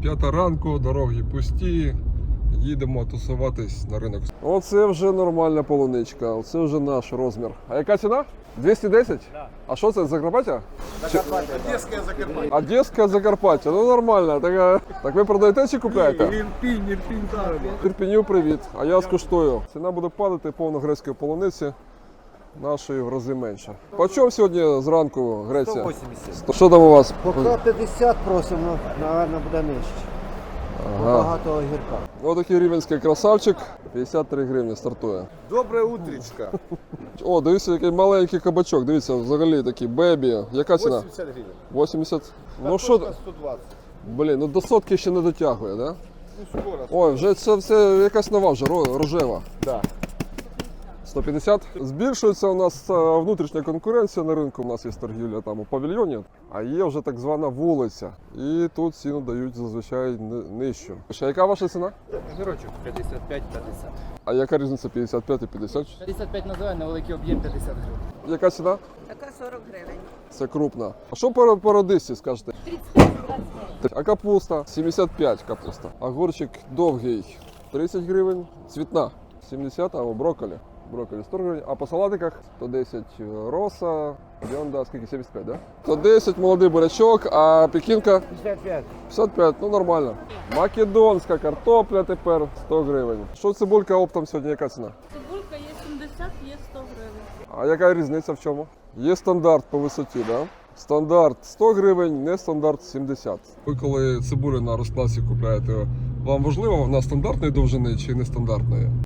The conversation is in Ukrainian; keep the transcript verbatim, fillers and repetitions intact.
П'ята ранку, дороги пусті, їдемо тусуватись на ринок. Оце вже нормальна полуничка, оце вже наш розмір. А яка ціна? двісті десять? Да. А що це, Закарпаття? Закарпаття. Одеське Закарпаття. Одеська Закарпаття, ну нормально. Так, а- так ви продаєте чи купляєте? Ірпінь, Ірпінь, так. Ірпіню привіт, а я скуштую. Ціна буде падати, повно грецької полуниці, нашої в рази менше. По чому сьогодні зранку Греція? сто вісімдесят. Сто- Що там у вас? Поки п'ятдесят просимо, напевно, буде нижче. Ага. Багато огірка. Ось такий рівенський красавчик, п'ятдесят три гривні стартує. Добре утречко. О, дивіться, який маленький кабачок, дивіться, взагалі такий бебі. Яка ціна? вісімдесят гривень. вісімдесят. Ну що, сто двадцять. блін, ну до сотки ще не дотягує, да? Ну скоро. Ой, вже це все якась нова вже, ро- рожева. Да. сто п'ятдесят. Збільшується у нас е, внутрішня конкуренція на ринку. У нас є торгівля там у павільйоні, а є вже так звана вулиця. І тут ціну дають зазвичай ни- нижчу. Ще яка ваша ціна? Огірочок п'ятдесят п'ять п'ятдесят. А яка різниця п'ятдесят п'ять і п'ятдесят? п'ятдесят п'ять називає, на великий об'єм п'ятдесят гривень. Яка ціна? Така сорок гривень. Це крупна. А що по, по радисці скажете? тридцять п'ять двадцять п'ять. А капуста? сімдесят п'ять капуста. Огурчик довгий тридцять гривень. Цвітна сімдесят, а у брокколі. Брокколі сто гривень. А по салатиках сто десять роса. Бьонда, скільки? сімдесят п'ять, да? сто десять молодий бурячок, а пекінка п'ятдесят п'ять. п'ятдесят п'ять, ну нормально. Македонська картопля тепер сто гривень. Що цибулька оптом сьогодні, яка ціна? Цибулька є сімдесят, є сто гривень. А яка різниця в чому? Є стандарт по висоті, да? Стандарт сто гривень, не стандарт сімдесят. Ви коли цибулю на розкласі купляєте, вам важливо, вона стандартної довжини чи нестандартної?